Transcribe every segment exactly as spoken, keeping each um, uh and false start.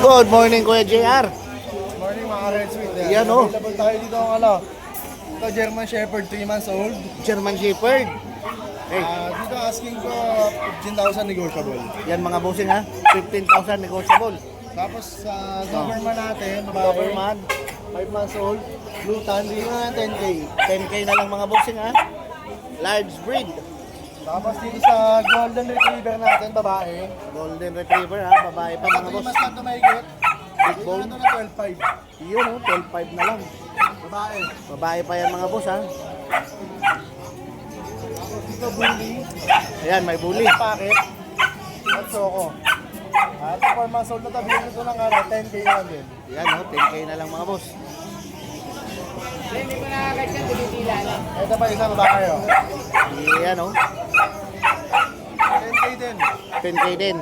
Good morning, Kuya J R. Morning mga Red Sweet. Yan, oh. Available tayo dito ang ano. Ito German Shepherd, three months old. German Shepherd. Hey, Ah, dito asking ko fifteen thousand negotiable. yan mga bossing ha. fifteen thousand negotiable. Tapos sa Doberman natin, babae, Doberman, five months old. Blue Tan, dito na ten K. ten K na lang mga bossing ha. Large breed. Tapos dito sa Golden Retriever natin, babae. Golden Retriever ha. Babae pa mga three boss. months lang ito mahigit. Big Dito bone. na ito na twelve five. Yun oh, twelve five na lang. Babae. Babae pa yan mga boss ha. Tapos dito Bully. Ayan, may bully. Packet. At Soko. At ito four months old na ito. Bigyan ito ng ano, ten K na din. Yan oh, ten K na lang mga boss. Hindi mo nakakagad yan, dinitila lang. Ito pa isang babae. Oh. Yan oh, ten K din. ten K din.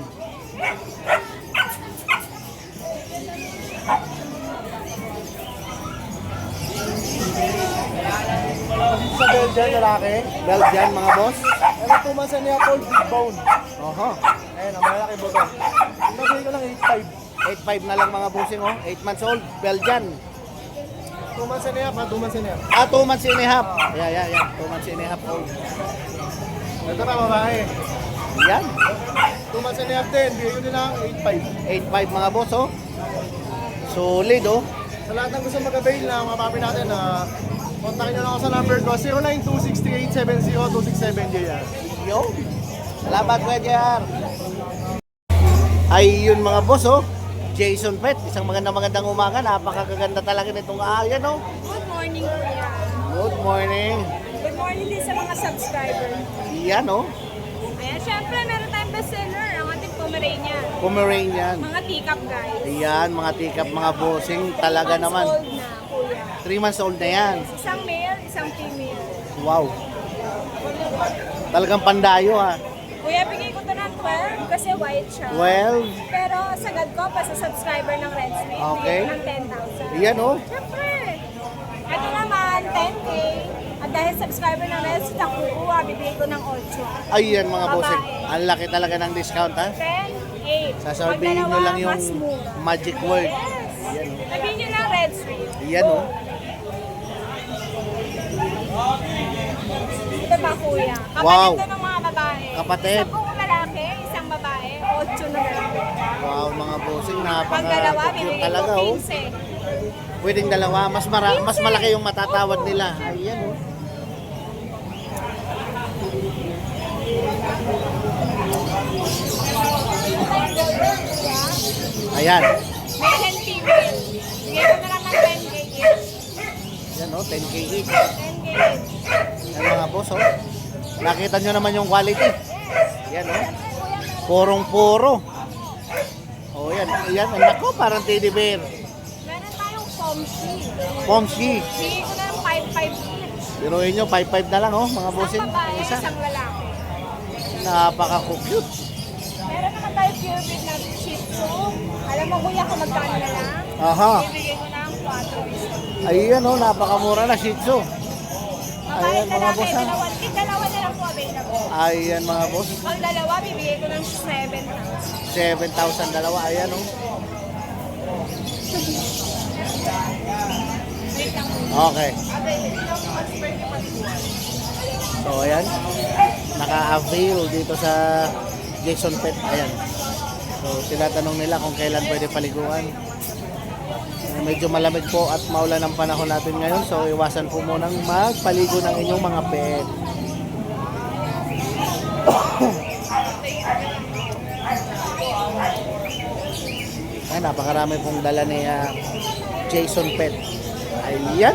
Dito sa Belgian, lalaki. Belgian mga boss. Ano two months na niya, cold big bone. Oho. Ayun, ang malaki buto. Nabili ko lang eight five. eight five na lang mga bossing oh. eight months old, Belgian. two months na niya, pa two months na niya. Ah, two months and a half. Yeah, yeah, yeah. two months and a half old. Ito pa, babae. Yan. two months na niya din, bigay ko din lang eight five. eight five mga boss oh. Solid oh. Sa lahat ng gusto mag-avail na mga papi natin, na kontakin nyo lang ako sa number ko, zero nine two six three eight seven zero two six seven J R. Yo. Salamat Kuya J R. Ay yun mga boss oh. Jason Pet, isang magandang magandang umaga. Napakaganda talaga nitong ayan oh. Good morning, Kuya. Good morning. Good morning din sa mga subscriber. Yan oh. Ayan, syempre, meron tayong bestseller, ang ating Pomeranian. Pomeranian. Mga teacup, guys. Ayan, mga tikap, mga bossing. Talaga Months naman. old na, Kuya. three months old na yan. Isang male, isang female. Wow. Talagang pandayo ha. Kuya, bigay ko to ng twelve kasi white siya. twelve. Pero sagad ko pa sa subscriber ng Red Street, Okay. bigay ko ng ten thousand. Yan oh. Syempre. Ito naman, ten K. At dahil subscriber ng Red Street, ang kukuha, bibigay ko ng eight. Ayan mga Babae. bossing. Ang laki talaga ng discount ha. ten, eight. Sasabihin nyo lang yung magic word. Yes. Yan. Sabihin nyo lang Red Street. Yan oh. Ito ba, kuya? Kapatid Wow. to ng mga babae. Kapatid. Isa pong lalaki, isang babae, ocho na lang. Wow mga bossing. Pag dalawa, Napaka-cute bibigay ko talaga oh. fifteen. Pwedeng dalawa. Mas, mara mas malaki yung matatawad nila. Ayan oh. Ayan. Male and female. Bigay ko na lang ng ten K each. Yan oh. ten K each. ten K each. Yan mga boss oh. Nakita nyo naman yung quality. Yan oh. Siyempre, kuya, meron- Porong-poro. Oh yan. Yan. Nako, parang teddy bear. meron tayong Pomshi. Pomshi. Bigay ko na ng five five each. Biruin nyo, five five na lang oh, mga bossing. Isang babae, Isa. isang lalaki. Napaka-cute. Meron naman tayo pure breed na Shih Tzu. Alam mo kuya kung magkano na lang? Aha. Bibigay ko ng four. Ayan oh, napakamura na Shih Tzu. Babae, Ayan, mga lalaki, boss, ha? dalawa, eh, dalawa na lang po available. Ayan mga boss. Pag dalawa, bibigay ko ng seven thousand. seven thousand dalawa. Ayan oh. Wait lang. Okay. So ayan. Naka-avail dito sa Jason Pet. Ayan. So tinatanong nila kung kailan pwede paliguan. Eh, medyo malamig po at maulan ang panahon natin ngayon. So iwasan po munang magpaligo ng inyong mga pet. Ay, napakarami pong dala ni ah, Jason Pet. Ayan.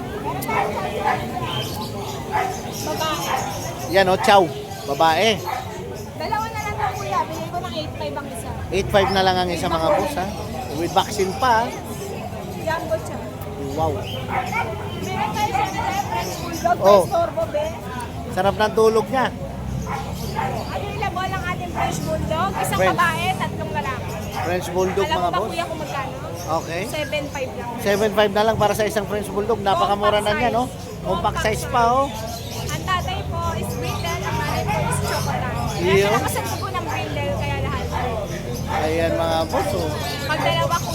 Babae. Yan o, chow. Babae. Dalawa na lang po kuya, bigay ko ng eight five ang isa. eight five na lang ang isa mga boss ha. With vaccine pa. Jumbo siya. Wow. Meron tayo syempre, French Bulldog, Oh. may storbo be. Sarap ng tulog niya. Available ang ating French Bulldog, isang French. babae, tatlong lalaki. French Bulldog Alam mo mga ba boss. kuya kung magkano? Okay. seven five lang. seven five na lang para sa isang French Bulldog. Napakamura na niya no. Compact size pa oh. Ang tatay po is brindle, ang nanay po is chocolate. Iyo. Kaya nakasan ko po ng brindle, kaya lahat. Ayan mga boss oh. Pag dalawa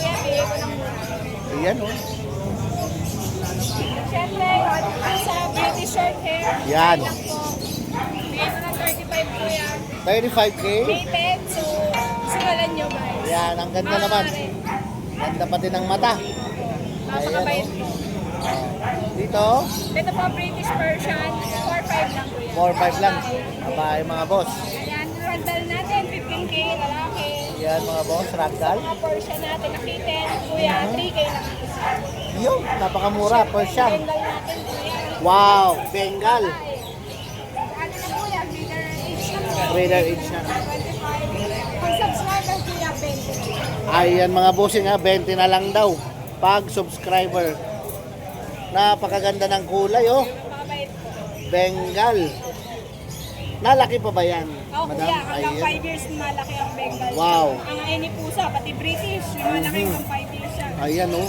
Ayan oh. Siyempre, ano po sa British short hair. Yan. Lang po. Bigay ko ng thirty-five po yan. thirty-five K. Rated, so sigalan nyo guys. Yan, ang ganda naman. Maaari. Ganda pati ng mata. Napakabait po. Dito, Ito po, British Persian. four five lang po yan. four five lang. Babae mga boss. Ayan, randal natin, fifteen K, lalaki. Yan mga boss, ragdoll. Mga Persian natin, nakiten. Kuya, three K lang po. Yun, napakamura, Persian. Bengal natin, kuya. Wow, Bengal. Ano na po yan, breeder age na po. Breeder age na. twenty-five. Pag subscriber, kuya, twenty. Ayan mga bossing ha, twenty na lang daw. Pag subscriber. Napakaganda ng kulay oh. Mabait po. Bengal. Nalaki pa ba yan? Oh, kuya, hanggang Ayan. five years malaki ang Bengal. Wow. Ang any pusa, pati British, yung malaki hanggang five years siya. Ayan oh.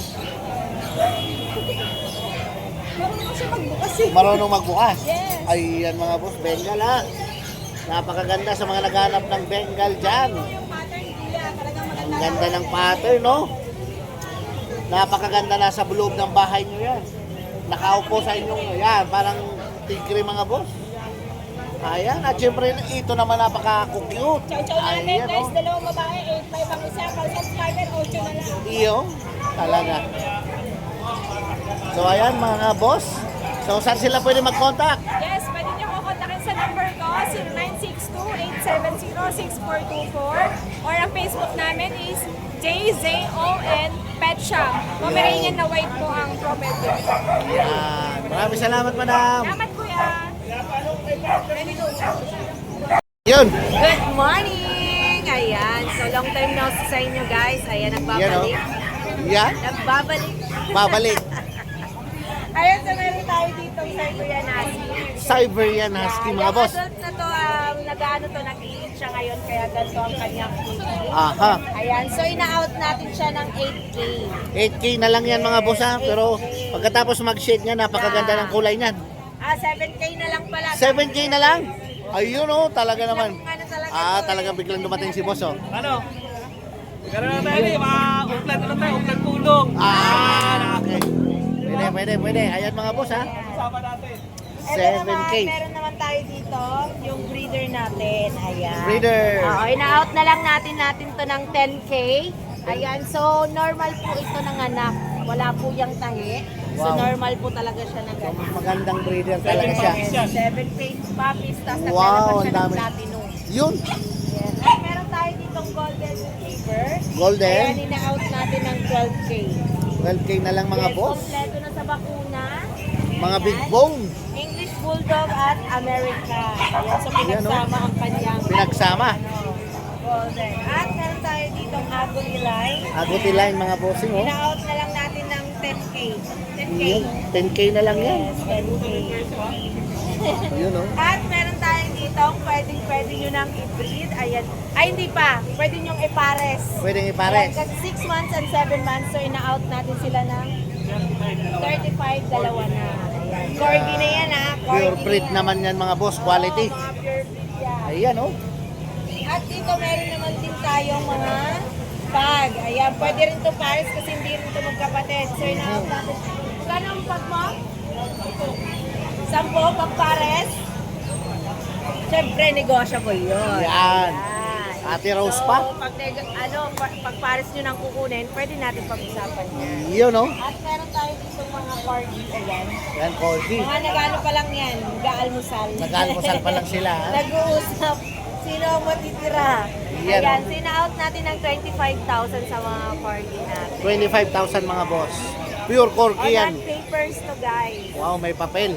Marunong siya magbukas eh. Marunong magbukas. Yes. Ayan mga boss, Bengal ha. Napakaganda sa mga naghanap ng Bengal dyan. Yung pattern, kuya, talagang maganda. Ang ganda ng pattern no. Napakaganda na sa loob ng bahay nyo yan. Nakaupo sa inyong, yan, parang tigre mga boss. Ayan, at syempre ito naman napaka-cute. Chow-chow natin Ayan, guys, oh. dalawang babae, eight five ang isa. Pag subscriber, eight na lang. Iyo, talaga. So ayan mga boss. So saan sila pwede mag-contact? Yes, pwede niyo ko kontakin sa number ko, zero nine six two, eight seven zero, six four two four. Or ang Facebook namin is J Z O N Pet Shop. Pomeranian na white po ang profile ko. Yan. Maraming salamat madam. Salamat kuya. Ready to. Yun. Good morning! Ayan, so long time no sa inyo guys. Ayan, Yan o. nagbabalik. Yan. Nagbabalik. Babalik. Ayan, so meron tayo dito sa Siberian Husky. Siberian Husky mga Yung boss. adult na to, um, nag-ano to, nag-iit siya ngayon, kaya ganito ang kanyang feet. Aha. Ayan, so ina-out natin siya ng eight K. eight K na lang yan mga boss ha. Pero pagkatapos mag-shade niya, napakaganda ng kulay niyan. Ah, seven K na lang pala. seven K na lang. Ayun oh, talaga naman. Ano talaga Ah, to, talagang biglang dumating si boss oh. Ano? Magkaroon na tayo eh, mga uplan na tayo, uplan tulong. Ah, okay. Pwede, pwede, pwede. Ayan mga boss ha. Kasama natin. Ito seven naman, K. meron naman tayo dito, yung breeder natin. Ayan. Breeder. Oo, ina-out na lang natin natin to ng ten K. Ayan, so normal po ito ng anak. Wala po yung tahi. So Wow. normal po talaga siya ng So, ganun. magandang breeder talaga siya. Seven page puppies, tapos Wow, naglalabas ang siya ng dami. platinum. Yun. Yes. At meron tayo ditong golden retriever. Golden. Ayan, ina-out natin ng twelve K. twelve K na lang mga Yes, boss. kompleto na sa bakuna. Mga Ayan. big bone. English Bulldog at America. Ayan, so Yan, oh. pinagsama ang kanyang Pinagsama. ano, golden. At meron tayo ditong Agony Line. Aguti line mga bossing oh. Ina-out na lang natin ng ten K. ten K. Yun. ten K na lang yan. Yes, ten K. Yun oh. At meron tayo dito, pwedeng pwede nyo nang i-breed. Ayan. Ay, hindi pa. Pwede nyo ipares. Pwedeng Ayan, ipares. kasi six months and seven months, so ina-out natin sila ng thirty-five, dalawa na. Ayan. Corgi na yan ha. Corgi Pure na breed yan. naman yan mga boss. Quality. Oo, mga pure breed yan. Ayan oh. At dito meron naman din tayong mga pag. Ayan, pwede rin to pares kasi hindi rin to magkapatid. So ina-out natin. Magkano ang pag mo? Sampo, pag pares? Siyempre, negotiable yun. Yan. Ayan. Ate Rose so, pa. Pag, neg- ano, pag, pag pares nyo nang kukunin, pwede natin pag-usapan yan. Yun oh. At meron tayo dito mga corgi. Ayan. Yan, Corgi. Mga nag-ano pa lang yan, nag-aalmusal. Nag-almusal pa lang sila, ha? Nag-uusap. Sino ang matitira? Yan, Ayan, oh. sina-out natin ng twenty-five thousand sa mga corgi natin. twenty-five thousand mga boss. Pure Corgi On yan. papers to guys. Wow, may papel.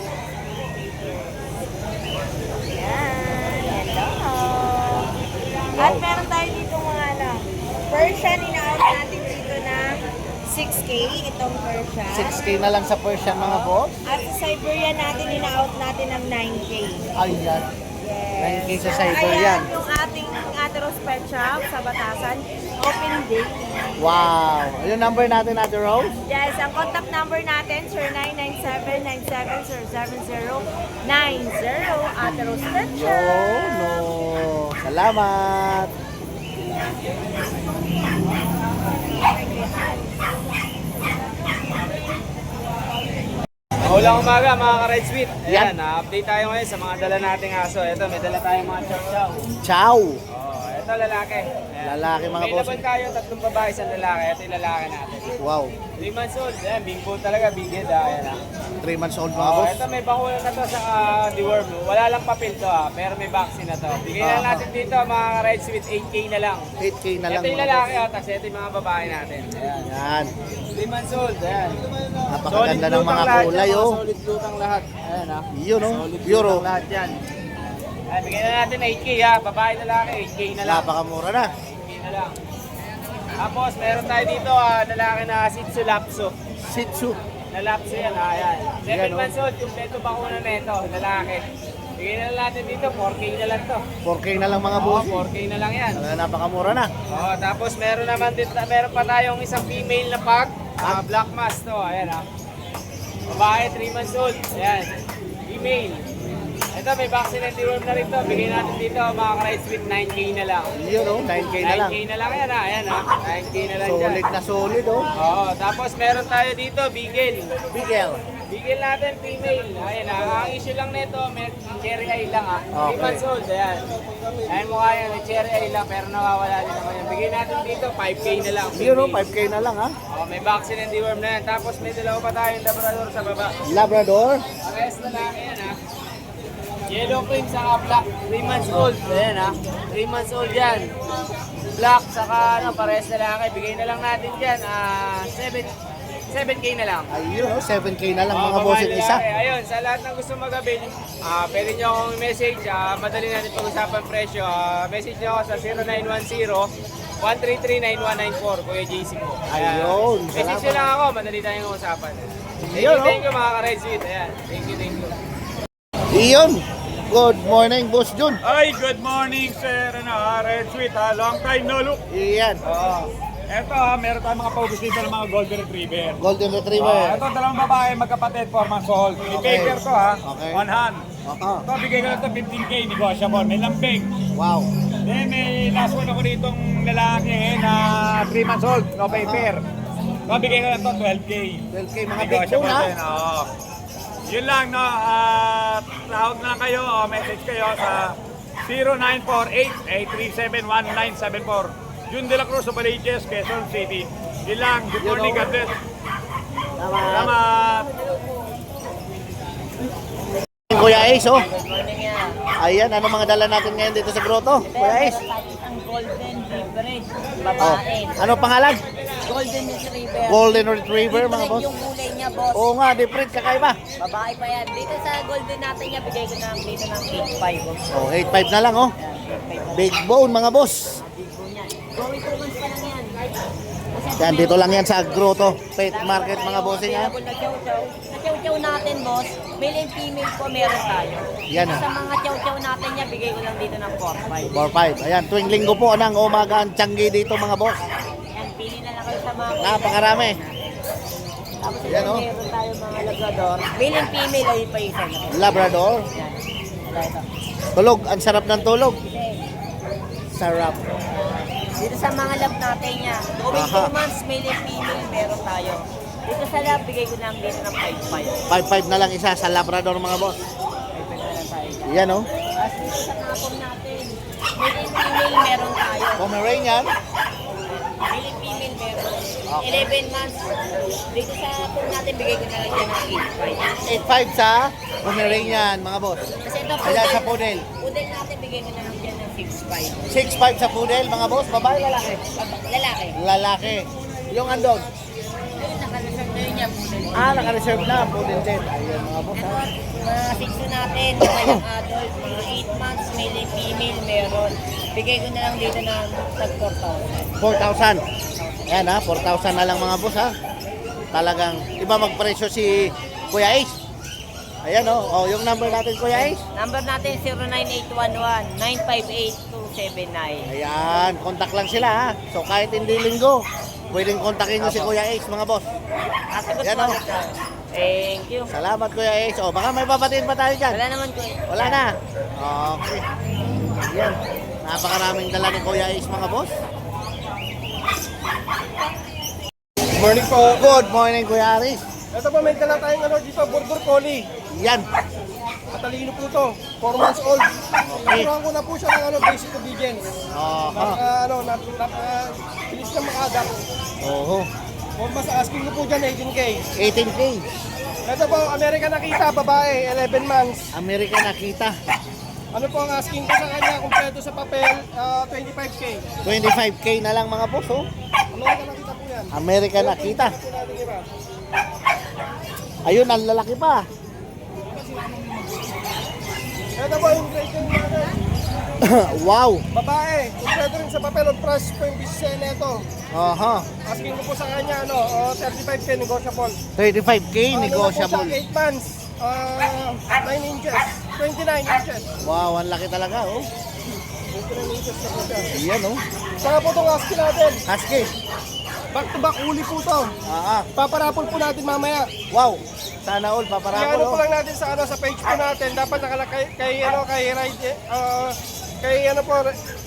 Ayan. Hello. At meron tayo dito mga ano, Persian, ina-out natin dito na six K, itong Persian. six K na lang sa Persian mga boss. At sa Siberian natin, ina-out natin ng nine K. Ayan. Yes. nine K sa So, Siberian. ayan yung ating Ateros Pet Shop sa Batasan. Open day. Wow. Yung number natin, Ate Rose? Yes, ang contact number natin, zero nine nine seven nine seven zero seven zero nine zero. Ateros Pet Yo, Shop. no. Salamat. Maulang umaga mga ka-Red Sweet. Yan. Ayan, na-update tayo ngayon sa mga dala nating aso. Ito, may dala tayong mga chow-chow. Ciao! Oh, ito lalaki. Ayan. Lalaki, mga may boss. laban tayo, tatlong babae, isang lalaki. Ito yung lalaki natin. Wow. three months old. Ayan, big bull talaga, big head ah. Ayan ah. three months old mga Oh, boss. ito may bakuna na to sa uh, deworm. Wala lang papel to ah, pero may vaccine na to. Bigyan na Ah. natin dito mga ka-Red Sweet, eight K na lang. eight K na lang Ito yung mga lalaki boss. ah, tapos ito yung mga babae natin. Ayan. Yan. three months old. Ayan. Napakaganda ng mga lutang lahat kulay yan, oh. mga solid lutang lahat. Ayan ah. Yun oh. Solid Euro. lutang lahat yan. Ay, bigyan na natin eight K ha. Babae na lalaki, eight K na lang. Napakamura na. eight K na lang. Tapos meron tayo dito ah, lalaki na Shih Tzu Lapso. Shih Tzu. Na Lapso yan ha. Ayan. seven Yan, oh. months old, kumpleto bakuna na ito, lalaki. Bigyan na lang natin dito, four K na lang to. four K na lang mga Oo, boss. four K na lang yan. Talaga napakamura na. Oo, tapos meron naman dito, meron pa tayong isang female na pug, ah, black mass to, ayan ha. Babae, three months old, ayan. Female. Ito, may vaccine and deworm na rin to. Bigyan natin dito, mga ka-Rides with nine K na lang. Yun oh. nine K na nine lang. K na lang yan ha, ayan ha. nine K na lang dyan. Solid na solid oh. Oo, tapos meron tayo dito, Beagle. Bigel. Bigil natin female. Ayan ha. Ang issue lang nito, may cherry eye lang ha. three Okay. months old. Ayan. Ayan mukha yan, may cherry eye lang pero nawawala din naman yan. Bigyan natin dito, five K na lang. Yun oh. female. five K na lang ha. Oh, may vaccine and deworm na yan. Tapos may dalawa pa tayong labrador sa baba. Labrador. Parehas na lang yan ha. Yellow cream saka black, three months old. Ayan ha. three months old yan. Black saka ano, parehas na lang. Bigay na lang natin dyan, ah, seven K na lang. Ayun oh. seven K na lang Oh, mga boss yung babae, isa. lalaki. Ayun, sa lahat ng gusto mag-avail, ah pwede nyo akong message. ah madali natin pag-usapan presyo. Ah message nyo ako sa zero nine one zero, one three three, nine one nine four, Kuya J C po. Ayan. Ayun, Message nyo salamat. lang ako, madali tayong usapan. Thank Ayun, you, oh. thank you mga ka-Red Sweet. Ayan, thank you, thank you. Iyon. Good morning, Boss Jun. Ay, good morning, sir. Ano, ha, Red Sweet, ha? Long time no look. Iyan. Oo. Eto, ha, meron tayong mga paubos dito ng mga Golden Retriever. Golden Oh, Retriever. ito, dalawang babae, magkapatid, four months old. May Okay. paper to, ha? Okay. One hand. Oo. Ito, bigay ko lang ito fifteen K, negotiable. May lambing. Wow. Then, may last one ako ditong lalaki eh, na three months old, no paper. Ito, bigay ko lang ito twelve K. twelve K mga big Negotiable bone ha. din, oo. Yun lang, no? At tawag na kayo o message kayo sa zero nine four eight, eight three seven, one nine seven four. Jun de la Cruz, Opaliches, Quezon City. Yun lang. Good morning, God bless. Tama. Salamat. Kuya Ace oh. Ayan, ano mga dala natin ngayon dito sa grotto? Kuya Ace. Ang golden hybrid, Oh. babae. Ano pangalan? Golden retriever. Golden Retriever mga Different boss. yung kulay niya, boss. Oo nga, different kakaiba. Babae pa yan. Dito sa golden natin niya, bigay ko na dito ng eight five. Oh, eight five na lang oh. Big bone mga boss. Going two months pa lang yan. Yan, dito lang yan sa grotto. Pet market mga bossing ha. Available na chow-chow. Sa chow-chow natin, boss, male and female po meron tayo. Yan, ah. Sa mga chow-chow natin niya, bigay ko lang dito ng four five. four five. Ayan, tuwing linggo po ng umaga ang tiyanggi dito mga boss. Yan, pili na lang kayo sa mga Napakarami. Tapos Yan, yan, oh. meron tayo mga labrador. Male and female, ayun pa isa na. Labrador. Yan. Ito, ito. Tulog, ang sarap ng tulog. Okay. Sarap. Dito sa mga lab natin niya, going Aha. two months, male and female, meron tayo. Dito sa lab, bigay ko lang dito ng five five. five five na lang isa sa Labrador mga boss. five five na lang tayo. Yan oh. Tapos dito sa kapon natin, male and female, meron tayo. Pomeranian. Male and female, meron. eleven months. Dito sa kapon natin, bigay ko na lang dyan ng eight five. eight five sa Pomeranian mga boss. Kasi ito, Ayan sa poodle. Poodle natin, bigay ko na lang dyan ng six five. six five sa poodle mga boss. Babae, lalaki. Lalaki. Lalaki. Yung andog. Ayun, nakareserve na yun niya, poodle. Ah, naka-reserve na. Poodle din. Ayan mga boss Ito, ha. mga six natin, mga young adult, mga eight months, male and female, meron. Bigay ko na lang dito ng tag four thousand. four thousand. Ayan ha, four thousand na lang mga boss ha. Talagang iba magpresyo si Kuya Ace. Ayan oh, oh yung number natin Kuya Ace. Number natin zero nine eight one one, nine five eight two seven nine. Ayan, contact lang sila ha. So kahit hindi linggo, pwedeng kontakin nyo si Kuya Ace mga boss. Kasagot Yan, po. oh. Thank you. Salamat Kuya Ace. O baka may papatiin pa tayo dyan. Wala naman ko. Wala na. Okay. Ayan. Napakaraming dala ni Kuya Ace mga boss. Good morning po. Good morning Kuya Aris. Ito po, may dala tayong ano dito, Border Collie. Yan. Matalino po to, four months old. Naturuan ko na po siya ng ano, basic obedience. Aha. Napaka, ano, nap- napaka, bilis na makadak. Oho. Kung mas asking ko po dyan, eighteen K. eighteen K. Ito po, American Nakita, babae, eleven months. Amerika nakita. Ano po ang asking ko sa kanya, kumpleto sa papel, ah, twenty-five K. twenty-five K na lang mga boss, oh. American Nakita po yan. Amerika nakita. Ito natin iba. Ayun, ang lalaki pa. Ito po yung grade yung natin. Wow. Babae, kumpleto rin sa papel, on price po yung business nito. Aha. Asking ko po sa kanya, ano, oh, thirty-five K negotiable. thirty-five K Ah, negotiable. eight months, ah, nine inches, twenty-nine inches. Wow, ang laki talaga, oh. twenty-nine inches na po siya. Yan, oh. Saka po itong husky natin, Husky. back to back uli po to. Ah, ah. Paparapol po natin mamaya. Wow. Sana all, Kaya paparapol, ano po oh. lang natin sa ano sa page po natin, dapat nakalagay kay ano kay ride ah, kay ano po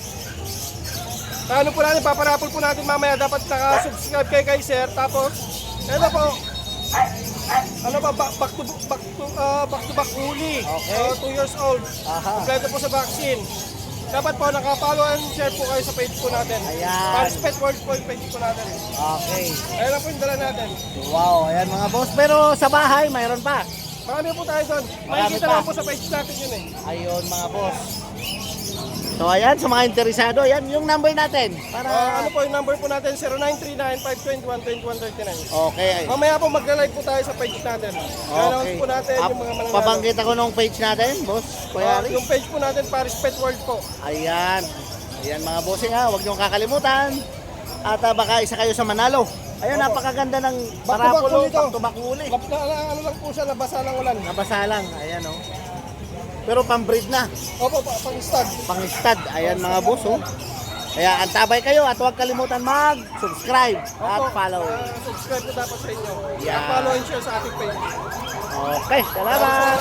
ano po natin, paparapol po natin mamaya, dapat naka-subscribe kay kay sir, tapos ano po ano ba back, back to back to ah, back to back uli. Okay. Ah, two years old. Aha. Kompleto po sa vaccine. Dapat po naka-follow and share po kayo sa page po natin. Ayan. Paris Pet World po yung page po natin. Okay. Ayan na po yung dala natin. Wow, ayan mga boss. Pero sa bahay, mayroon pa. Marami po tayo doon. Marami Makikita pa. lang po sa page natin yun eh. Ayun mga boss. So ayan, sa mga interesado, ayan yung number natin. Para... Ah, ano po yung number po natin? zero nine three nine, five two one, two one three nine. Okay. Mamaya po magla-live po tayo sa page natin. Ganoon Okay. po natin Ah, yung mga mananalo. pabanggit ako nung page natin, boss. Kuya Ah, Ari. yung page po natin, Paris Pet World po. Ayan. Ayan mga bossing ha, huwag niyong kakalimutan. At ah, baka isa kayo sa manalo. Ayun, Opo. napakaganda ng Back to back parapulo, ulit to. back to back uli. Lap na, na- ano lang po siya, nabasa ng ulan. Nabasa lang, ayan oh. Pero pang-breed na, Opo, pa- pang-stud. pang-stud. Ayan mga boss oh. Kaya antabay kayo at huwag kalimutan mag-subscribe at Opo, follow. ah, subscribe po dapat sa inyo. Yeah. Follow and share sa ating page. Okay, salamat!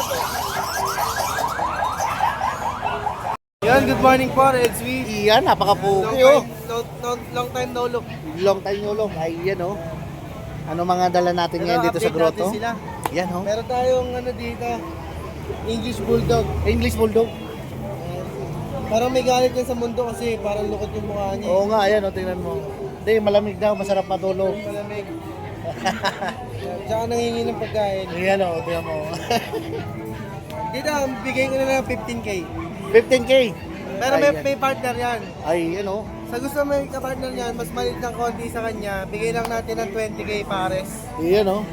Yan, good morning po, Red Sweet. Iyan, napakapugi oh. long, long, long time no look. Long time nyo long. Ayan oh. Ano mga dala natin ngayon dito sa grotto? Sila. Yan oh. Meron tayong ano dito, English Bulldog. English Bulldog. Parang may galit yan sa mundo kasi parang lukot yung mukha niya. Oo nga, ayan oh, tingnan mo. Hindi, malamig daw, masarap matulog. Malamig. Tsaka nangingi ng pagkain. Ayan oh, tingnan mo. Dito, bigay ko na lang fifteen K. fifteen K. Pero may, Ayan. may partner yan. Ay, yun oh. Sa gusto may kapartner yan, mas maliit ng konti sa kanya, bigay lang natin ng twenty K pares. Iyan oh.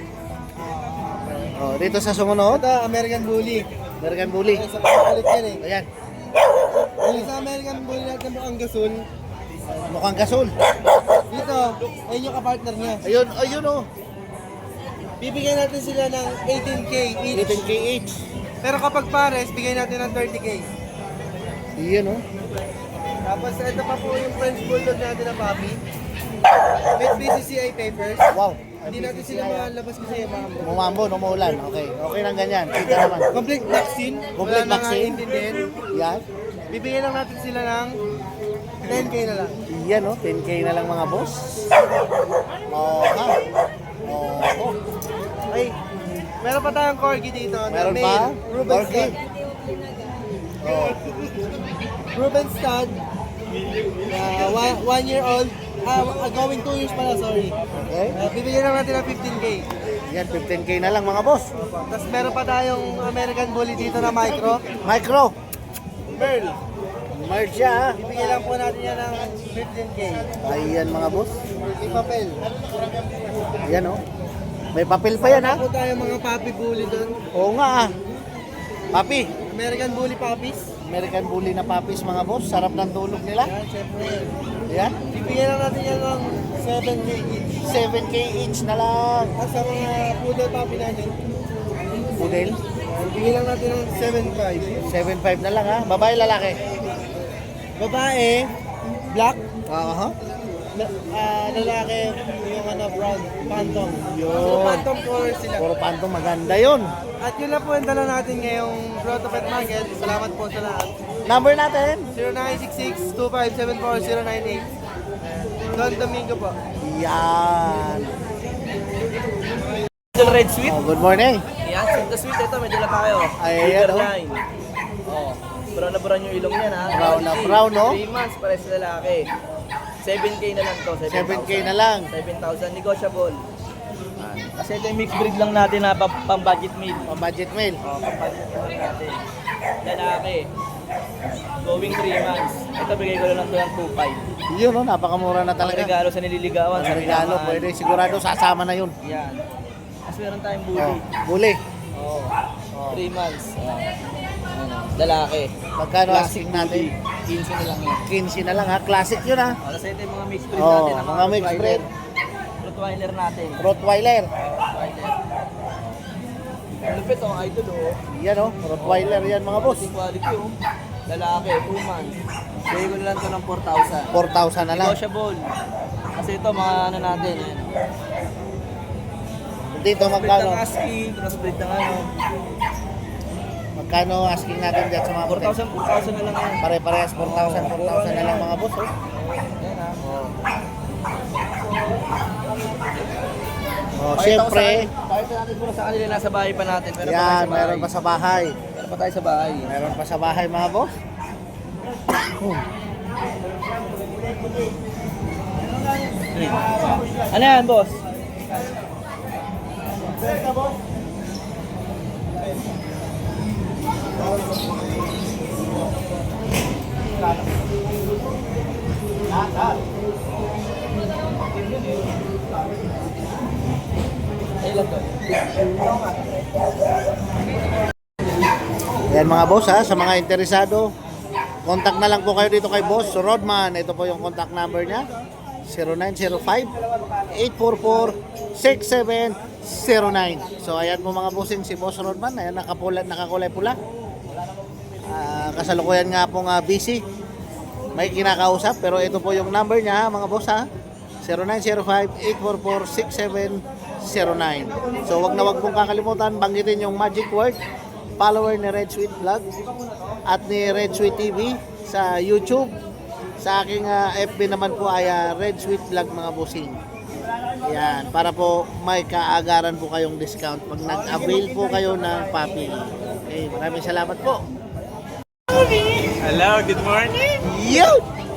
Oh, dito sa sumunod, Ito, American Bully. American Bully. Ay, sa pagkakulit yan eh. Ayan, Yung sa American Bully natin mukhang gasol. mukhang gasol. Dito, ayun yung kapartner niya. Ayun, ayun oh. Bibigyan natin sila ng eighteen K each. eighteen K each. Pero kapag pares, bigay natin ng thirty K. Iyan oh. Tapos ito pa po yung French Bulldog natin na puppy. With B C C I papers. Wow. Hindi natin sila makalabas kasi mga Umambo, umuulan. Okay, okay lang ganyan. Kita naman. complete vaccine. Complete Wala vaccine. na intindihin. Yan. Bibigyan lang natin sila ng ten K na lang. Iyan oh, ten K na lang mga boss. Oh, ha. Oh, oh. Ay, meron pa tayong corgi dito. na Meron male, pa? Ruben Corgi? Stud. Oh. Ruben Stud. Uh, one, one year old. Ah, uh, going two years pala, sorry. Okay. Uh, bibigyan lang natin ng fifteen K. Yan, fifteen K na lang mga boss. Tapos meron pa tayong American Bully dito na micro. Micro. Pearl. Merge siya ha. Bibigyan lang po natin yan ng fifteen K. Ayan mga boss. May papel. Yan oh. May papel pa yan ha. Meron po tayong mga puppy bully doon. Oo nga ah. Papi. American Bully puppies. American Bully na puppies mga boss. Sarap ng tulog nila. Yan, syempre. Yan. Bibigyan lang natin yan ng seven K each. seven K each na lang. At sa mga poodle puppy natin, Pudel. uh, bigyan lang natin ng seven five. seven five na lang ha. Babae, lalaki. Babae, black. Aha. La, ah, lalaki, yung ano, brown, phantom. Yun. So, phantom color sila. Puro panto maganda yun. At yun lang po yung dala natin ngayong Grotto Pet Market. Salamat po sa lahat. Number natin. zero nine six six, two five seven four, zero nine eight. Don Domingo po. Yan. Red Sweet. Oh, good morning. Yan, sweet na sweet. Ito, may dala tayo. Ay, Liver yan, oh. line. Oh. Brown na brown yung ilong niya, ha? Brown na brown, no? three months, pares sa lalaki. seven K na lang to. seven K na lang. seven thousand, negotiable. Kasi ito yung mixed breed lang natin na pang, pang budget meal. Pang budget meal. Oh, pang budget meal lang natin. Lalaki. Going three months. Ito, bigay ko na lang to ng two five. Yun, no? Napakamura na Ang talaga. regalo sa nililigawan. Ang sa regalo, minamahal. pwede. Sigurado sasama na yun. Yan. Tapos meron tayong bully. Oh, buli. Oh. three months. Oh. Ano, lalaki. Magkano Classic asking natin? quince na lang yan. quince na lang ha. Classic yun ha. Oh, kasi ito yung mga mixed breed Oh, natin. ang mga mixed breed. Rottweiler natin. Rottweiler. Rottweiler. Lupit oh, idol oh. Yan oh. Rottweiler yan mga boss. Quality quality oh. Lalaki, two months. Bigay ko na lang ito ng four thousand. four thousand na lang. Negotiable. Kasi ito mga ano natin. Ayan. Dito Split magkano? ng asking, split ng ano. Magkano asking natin dyan sa mga four puti? thousand, four thousand na lang yan. Pare-parehas four thousand, four thousand na lang mga boss oh. Ayan ah. Oh, Pakita ko syempre, sa kanila- Pakita natin muna sa kanila, nasa bahay pa natin. Meron pa tayo yan, sa bahay. meron pa sa bahay. Meron pa tayo sa bahay. Meron pa sa bahay mga boss. Ano yan, boss? Ilan to? Yan mga boss ha, sa mga interesado, contact na lang po kayo dito kay Boss Rodman. Ito po yung contact number niya, zero nine zero five, eight four four, six seven zero nine. So ayan po mga bossing, si Boss Rodman, ayan nakapula, nakakulay pula. Ah, kasalukuyan nga pong uh, busy. May kinakausap, pero ito po yung number niya mga boss ha, zero nine zero five, eight four four, six seven zero nine. So wag na wag pong kakalimutan, banggitin yung magic word, follower ni Red Sweet Vlog at ni Red Sweet T V sa YouTube. Sa aking uh, F B naman po ay uh, Red Sweet Vlog mga bossing. Yan, para po may kaagaran po kayong discount pag nag-avail po kayo ng puppy. Okay, maraming salamat po. Hello, good morning! Yo!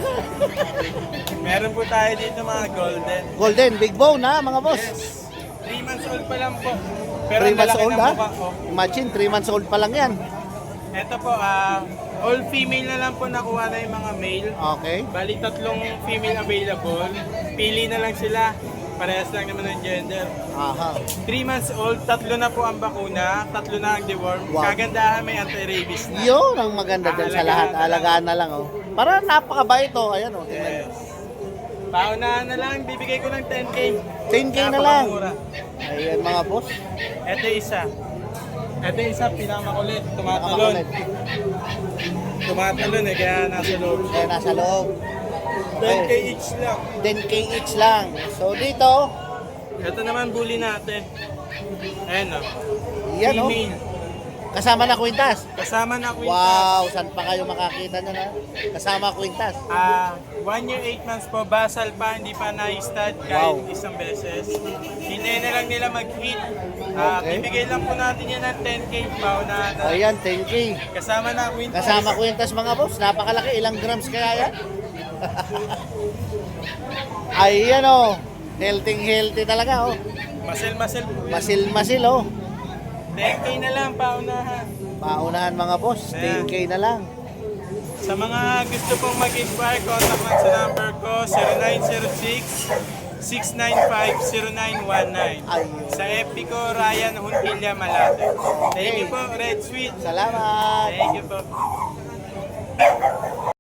Meron po tayo dito mga golden. Golden, big bone ha mga boss. three months old pa lang po. Pero three months lalaki old ng ha? mukha ko. Imagine, three months old pa lang yan. Ito po, ah, all female na lang po nakuha na yung mga male. Okay. Bali tatlong female available. Pili na lang sila. Parehas lang naman ng gender. Aha. three months old, tatlo na po ang bakuna, tatlo na ang deworm. Wow. Kagandahan may anti-rabies na. Yun ang maganda dyan sa lahat. Alagaan na lang oh. Para napakabait oh. Ayan oh. Tingnan Yes. Paunahan na lang, bibigay ko ng ten K. ten K na lang. Napakamura. Ayan mga boss. Ito isa. Ito isa, pinamakulit. Tumatalon. Nakapakulit. Tumatalon eh, kaya nasa loob. Kaya nasa loob. ten K each lang. ten K each lang. So dito, Ito naman bully natin. Ayan o. yan oh. Female. Kasama na kwintas. Kasama na kwintas. Wow, saan pa kayo makakita na na? Kasama kwintas. Ah, one year, eight months po. Basal pa, hindi pa na-stud kahit Wow. isang beses. Hintayin na lang nila mag-hit. Ah, Okay. Bibigay lang po natin yan ng ten K pa na, na Ayan, ten K. kasama na kwintas. Kasama kwintas mga boss. Napakalaki. Ilang grams kaya yan? Ayan oh. Healthy healthy talaga oh. Masel-masel po. yan. Masil-masil oh. ten K na lang, paunahan. Paunahan mga boss. ten K na lang. Sa mga gusto pong mag-inquire, contact lang sa number ko, zero nine zero six, six nine five, zero nine one nine. Ayun. Sa F B ko, Ryan Huntilla Malate. Thank you po, Red Sweet. Salamat. Thank you po.